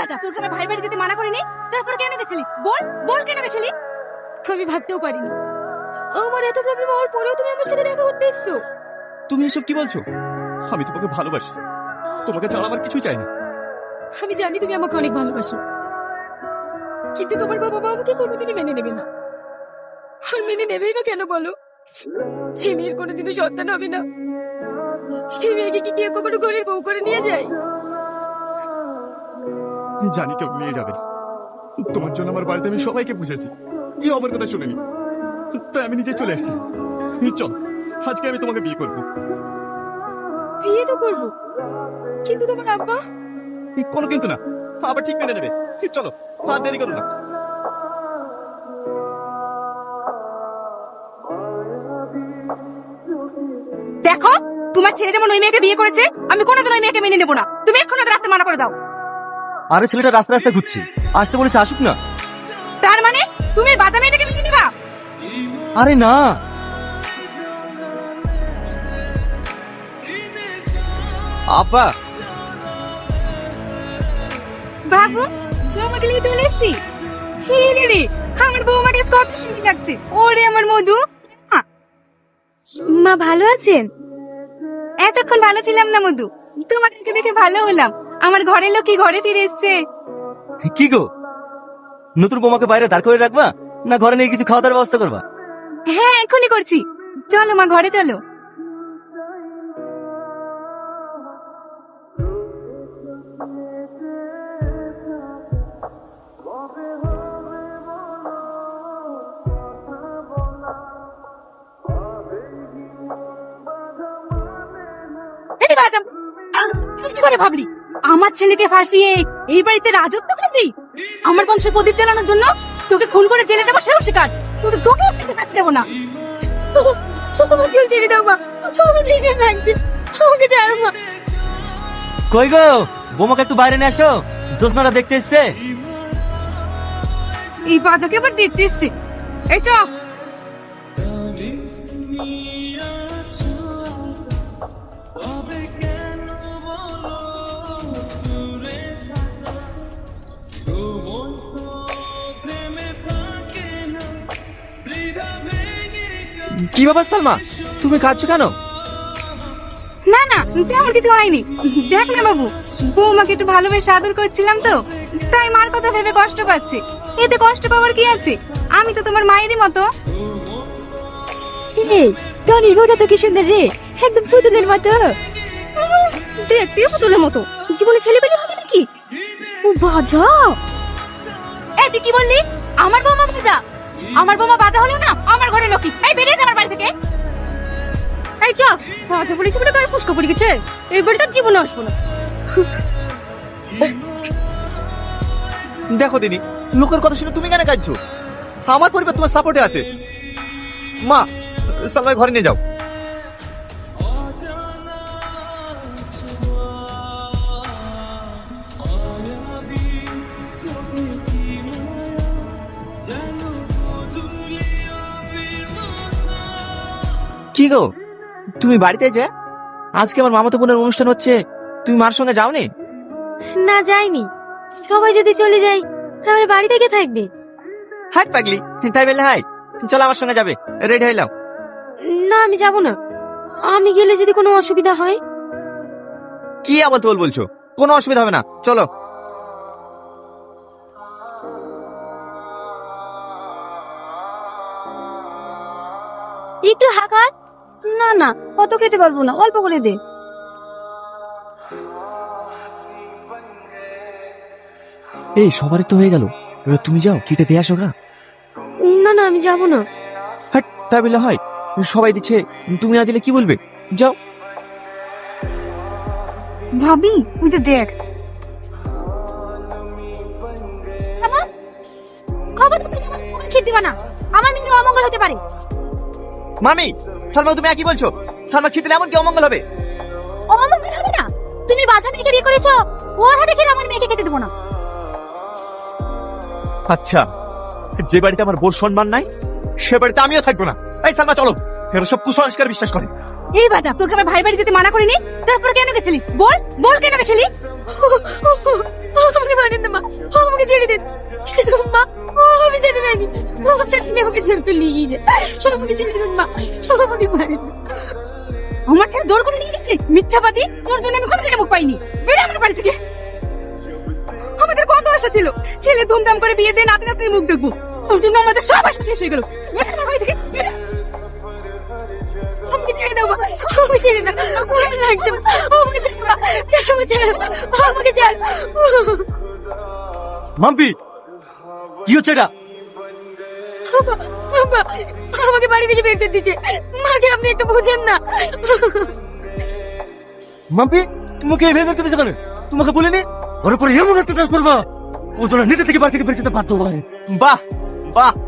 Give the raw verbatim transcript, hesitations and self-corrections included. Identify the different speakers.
Speaker 1: বাজা, তোকে আমার ভাই বাড়ি যেতে মানা করিনি, তারপর কেন গেছিলি? বল বল কেন গেছিলি? আমি ভাবতেও পারিনি আমার এত প্রবলেম হওয়ার পরেও তুমি আমার সাথে দেখা করতে এসছো।
Speaker 2: তুমি এসব কি বলছো? আমি তোমাকে ভালোবাসি, তোমাকে ছাড়া আমার কিছুই চাই না।
Speaker 1: আমি জানি তুমি আমাকে অনেক ভালোবাসো, কিন্তু তোমার বাবা মা আমাকে কোনোদিনই মেনে নেবে না। আর মেনে নেবেই বা কেন বলো? যে মেয়ের কোনোদিনও সন্তান হবে না, সেই মেয়েকে কি কেউ কখনো ঘরের বউ করে নিয়ে যায়?
Speaker 2: জানি কেউ নিয়ে যাবে না। তোমার জন্য আমার বাড়িতে আমি সবাইকে বুঝেছি, কেউ আমার কথা শুনেনি, তাই আমি নিজে চলে এসেছি। চল, আজকে আমি তোমাকে বিয়ে করবো।
Speaker 1: বিয়ে তো করবো, কিন্তু তোমার আব্বা?
Speaker 2: কোনো কিন্তু না, আবার ঠিক মেনে নেবে। চলো, আর দেরি করো না।
Speaker 1: দেখো, তোমার ছেলে যেমন ওই মেয়েকে বিয়ে করেছে, আমি কোনোদিন ওই মেয়েকে মেনে নেবো না। তুমি এক্ষুনি ওদের রাস্তা মানা করে দাও।
Speaker 2: আরে ছেলেটা রাস্তা রাস্তা ঘুরছে, আসতে বলেছে আসুক না।
Speaker 1: তার মানে তুমি এই বাজা মেয়েটাকে মেনে নিবা?
Speaker 2: আরে না, আপা
Speaker 1: বাবু, বৌমাকে নিয়ে চলে এসছি। হে দিদি, আমার বৌমাকে কত সুন্দর লাগছে। ওরে আমার মধু। মা ভালো আছেন? এতক্ষণ ভালো ছিলাম না মধু, তোমাদেরকে দেখে ভালো হলাম। আমার ঘরের লোক কি ঘরে ফিরে এসছে?
Speaker 2: কি গো, নতুন বোমাকে বাইরে দাঁড় করে রাখবা না ঘরে নিয়ে কিছু খাওয়া দাওয়ার ব্যবস্থা করবা?
Speaker 1: হ্যাঁ, এখনই করছি। চলো মা, ঘরে চলো। এই বাজা, তুই কি করে ভাবলি আমার ছেলেকে ফাঁসিয়ে এই বাড়িতে রাজত্ব করবি? আমার বংশের প্রদীপ জ্বালানোর জন্য তোকে খুন করে জেলে দেবো, সেও শিকার। তোকে তোকেও খেতে থাকতে দেবো না। আমার চুল ছেড়ে দাও মা, আমার ভীষণ লাগছে, আমাকে ছাড়ো মা।
Speaker 2: কই গো, বোমাকে একটু বাইরে নিয়ে আসো, দোষনারা দেখতে এসছে।
Speaker 1: এই বাজাকে আবার দেখতে এসছে। এই চ।
Speaker 2: কি ব্যাপার সালমা, তুমি কাঁদছো কেন?
Speaker 1: না না, তেমন কিছু হয়নি। দেখ না বাবু, বৌমাকে একটু ভালোবেসে আদর করছিলাম তো, তাই মার কথা ভেবে কষ্ট পাচ্ছি। এতে কষ্ট পাওয়ার কি আছে? আমি তো তোমার মায়েরই মতো। টনির বউটা তো কি সুন্দর রে, একদম পুতুলের মতো। দেখতে পুতুলের মতো, জীবনে ছেলে পেলে হবে নাকি? ও বাজা। এই তুই কি বললি? আমার বৌমা বাজা? আমার বৌমা বাজা হলো না আমার ঘরে লক্ষ্মী। এই বেরিয়ে যা আমার বাড়ি থেকে। এই চ, বাজা বলেছি বলে গায়ে ফুসকা পড়ে গেছে। এই বাড়িতে জীবনে আসবো না।
Speaker 2: দেখো দিদি, লোকের কথা শুনে তুমি কেন কাঁদছো? আমার পরিবার তোমার সাপোর্টে আছে। মা, সালমাই ঘরে নিয়ে যাও। কি গো, তুমি বাড়িতে যে আজকে আমার মামাতো বোনের অনুষ্ঠান হচ্ছে, তুমি মার সঙ্গে যাওনি?
Speaker 1: না যাইনি। সবাই যদি চলে যায় তাহলে বাড়ি থেকে থাকবে।
Speaker 2: হাই পাগলি, তাই বললে হাই, চলো আমার সঙ্গে যাবে, রেডি হইলাম।
Speaker 1: না আমি যাব না। আমি গেলে যদি কোনো অসুবিধা হয়?
Speaker 2: কি আবার তোল বলছো? কোনো অসুবিধা হবে না, চলো।
Speaker 1: একটু হাকার। না না, কত খেতে পারবো না, অল্প করে দে।
Speaker 2: এই সবারই তো হয়ে গেল, এবার তুমি যাও, কেটে দিয়ে আসো গা।
Speaker 1: না না, আমি যাব না।
Speaker 2: হাট, তাই বললে হয়? সবাই দিচ্ছে, তুমি না দিলে কি বলবে? যাও।
Speaker 1: ভাবি, তুই তো দেখ। খবর তো তুমি আমাকে খেতে দিবা না, আমার মেয়ের অমঙ্গল হতে পারে।
Speaker 2: মামি, সালমা তুমি একই বলছো? সালমা খেতে এমন কি অমঙ্গল হবে?
Speaker 1: অমঙ্গল হবে না? তুমি বাজা মেয়েকে বিয়ে করেছো, ওর হাতে খেলে আমার মেয়েকে খেতে দেবো না।
Speaker 2: আচ্ছা, যে বাড়িতে আমার বোর সম্মান নাই সে বাড়িতে আমিও থাকবো না। এই সালমা চলো, এরা সব কুসংস্কার বিশ্বাস করে।
Speaker 1: এই বাজা, তোকে আমার ভাই বাড়ি যেতে মানা করিনি, তারপর কেন গেছিলি? বল বল কেন গেছিলি? আমাকে মারেন না মা, আমাকে ছেড়ে দিন। শুধু মা, আমি যেতে চাইনি, আমাকে ছেড়ে আমাকে জোর করে নিয়ে গিয়ে আমাকে ছেড়ে দিন মা, আমাকে মারেন না। আমার ছেলে জোর করে নিয়ে গেছে, মিথ্যাবাদী। তোর জন্য আমি কোনো ছেলে মুখ পাইনি। বেড়ে আমার বাড়ি থেকে। আমাদের কত আশা ছিল, ছেলে ধুমধাম করে বিয়ে দিয়ে নাতি নাতনির মুখ দেখবো। তোর জন্য আমাদের সব আশা শেষ হয়ে গেল। বেড়ে আমার বাড়ি থেকে, বেড়ে। আমাকে ছেড়ে দাও মা, আমাকে ছেড়ে দাও, ভয় লাগছে মা, আমাকে ছেড়ে দাও, ছেড়ে দাও, ছেড়ে দাও, আমাকে ছেড়ে দাও।
Speaker 3: মাম্পি, কি হচ্ছে এটা?
Speaker 1: বাবা, বাবা, আমাকে বাড়ি থেকে বের করে দিচ্ছে। মাকে আপনি একটু বুঝেন না।
Speaker 3: মাম্পি, তোমাকে এভাবে বের করতেছে কেন? তোমাকে বলিনি ওর উপরে এমন অত্যাচার করবা, ও তোরা নিজে থেকে বাড়ি থেকে বের করতে বাধ্য হবে।
Speaker 4: বাহ বাহ